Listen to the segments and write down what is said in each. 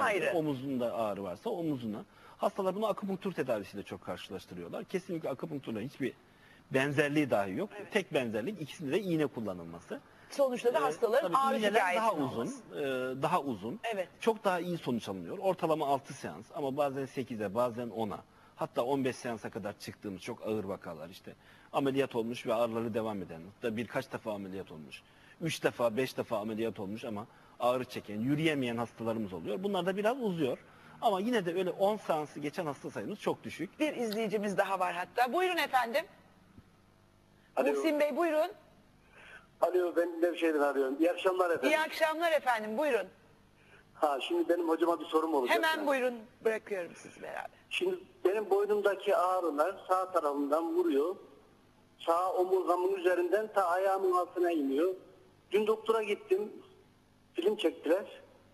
ayrı. Omuzunda ağrı varsa omuzuna. Hastalar bunu akupunktur tedavisiyle çok karşılaştırıyorlar. Kesinlikle akupunkturla hiçbir benzerliği dahi yok. Evet. Tek benzerlik ikisinde de iğne kullanılması. Sonuçta da hastaların Tabii ağrı iğneler şikayetinin daha uzun, olması. daha uzun. Evet. Çok daha iyi sonuç alınıyor. Ortalama 6 seans ama bazen 8'e, bazen 10'a. Hatta 15 seansa kadar çıktığımız çok ağır vakalar işte. Ameliyat olmuş ve ağrıları devam eden. Hatta birkaç defa ameliyat olmuş. 3 defa, 5 defa ameliyat olmuş ama ağrı çeken, yürüyemeyen hastalarımız oluyor. Bunlar da biraz uzuyor. Ama yine de öyle 10 seansı geçen hasta sayımız çok düşük. Bir izleyicimiz daha var hatta. Buyurun efendim. Alo. Muhsin Bey buyurun. Alo, ben Nevşehir'den arıyorum. İyi akşamlar efendim. İyi akşamlar efendim buyurun. Şimdi benim hocama bir sorum olacak. Hemen buyurun, bırakıyorum sizi beraber. Şimdi benim boynumdaki ağrılar sağ tarafımdan vuruyor. Sağ omurgamın üzerinden ta ayağımın altına iniyor. Dün doktora gittim. Film çektiler.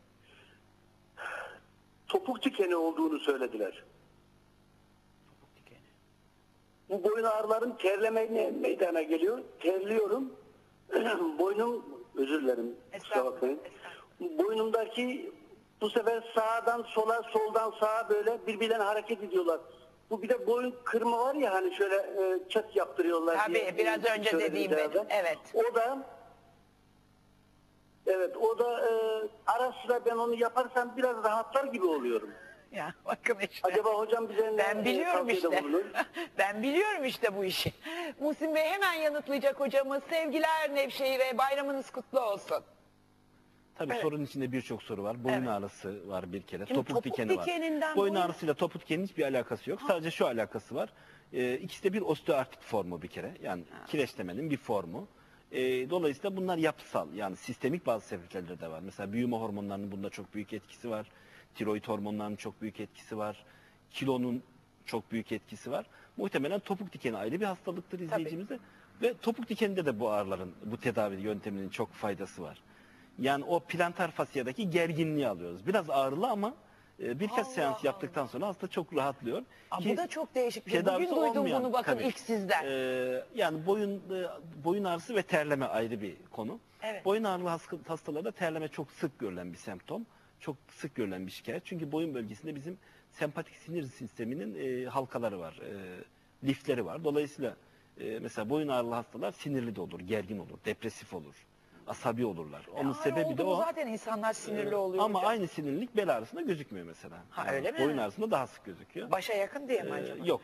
Topuk dikeni olduğunu söylediler. Bu boyun ağrılarım terleme meydana geliyor. Terliyorum. Boynum, özür dilerim. Kusura bakmayın. Boynumdaki bu sefer sağdan sola, soldan sağa böyle birbirlerine hareket ediyorlar. Bu bir de boyun kırma var ya hani şöyle çat yaptırıyorlar. Tabii diye, biraz önce dediğim benim. Evet. O da ara sıra ben onu yaparsam biraz rahatlar gibi oluyorum. Ya bakın işte. Acaba hocam bize Ben biliyorum tavsiyede işte. bulunur? Ben biliyorum işte bu işi. Muhsin Bey hemen yanıtlayacak hocamız. Sevgiler Nevşehir'e, bayramınız kutlu olsun. Tabii Evet. sorunun içinde birçok soru var. Boyun Evet. ağrısı var bir kere. Şimdi Topuk dikeni var. Boyun ağrısıyla topuk dikenin hiçbir alakası yok. Sadece şu alakası var. İkisi de bir osteoartrit formu bir kere. Yani kireçlemenin bir formu. Dolayısıyla bunlar yapısal. Yani sistemik bazı sebepleri de var. Mesela büyüme hormonlarının bunda çok büyük etkisi var. Tiroid hormonlarının çok büyük etkisi var. Kilonun çok büyük etkisi var. Muhtemelen topuk dikeni ayrı bir hastalıktır izleyicimizde. Ve topuk dikeninde de bu ağrıların, bu tedavi yönteminin çok faydası var. Yani o plantar fasiyadaki gerginliği alıyoruz. Biraz ağrılı ama birkaç seans yaptıktan sonra hasta çok rahatlıyor. Bu da çok değişik bir şey. Bugün tedavisi duydum olmayan, bunu bakın tabii. ilk sizden. Yani boyun ağrısı ve terleme ayrı bir konu. Evet. Boyun ağrılı hastalarda terleme çok sık görülen bir semptom. Çok sık görülen bir şikayet. Çünkü boyun bölgesinde bizim sempatik sinir sisteminin halkaları var, lifleri var. Dolayısıyla mesela boyun ağrılı hastalar sinirli de olur, gergin olur, depresif olur, asabi olurlar. Onun sebebi de o. Zaten insanlar sinirli oluyor. Ama hocam. aynı sinirlilik bel ağrısında gözükmüyor mesela. Ha, öyle mi? Boyun ağrısında daha sık gözüküyor. Başa yakın diye mi acaba? Yok.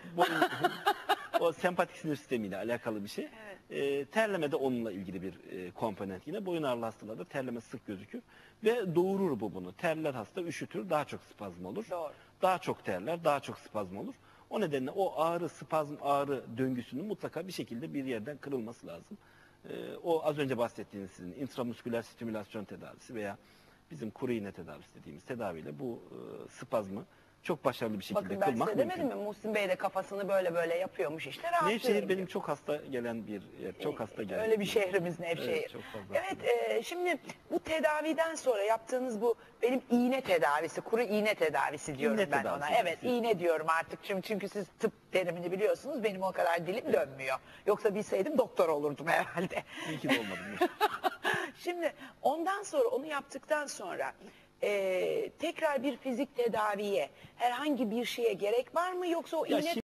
O sempatik sinir sistemiyle alakalı bir şey. Terleme de onunla ilgili bir komponent yine. Boyun ağrılı hastalarda terleme sık gözükür. Ve doğurur bu bunu. Terler hasta, üşütür, daha çok spazm olur. Doğru. Daha çok terler, daha çok spazm olur. O nedenle o ağrı, spazm, ağrı döngüsünün mutlaka bir şekilde bir yerden kırılması lazım. O az önce bahsettiğiniz sizin intramusküler stimülasyon tedavisi veya bizim kuru iğne tedavisi dediğimiz tedaviyle bu spazmı çok başarılı bir şekilde Bakın ben kılmak size mümkün. demedim mi? Muhsin Bey de kafasını böyle yapıyormuş işte. Rahatlıyorum Nevşehir benim diyor. çok hasta gelen bir yer. Çok hasta gelen. Öyle bir şehrimiz Nevşehir. Evet, çok fazla. Evet, şimdi bu tedaviden sonra yaptığınız bu benim iğne tedavisi, kuru iğne tedavisi diyorum İğne ben tedavisi, ona. Evet, siz- iğne diyorum artık çünkü siz tıp terimini biliyorsunuz. Benim o kadar dilim dönmüyor. Yoksa bilseydim doktor olurdum herhalde. İyi ki de olmadım. Şimdi ondan sonra onu yaptıktan sonra tekrar bir fizik tedaviye herhangi bir şeye gerek var mı yoksa o Ya iğne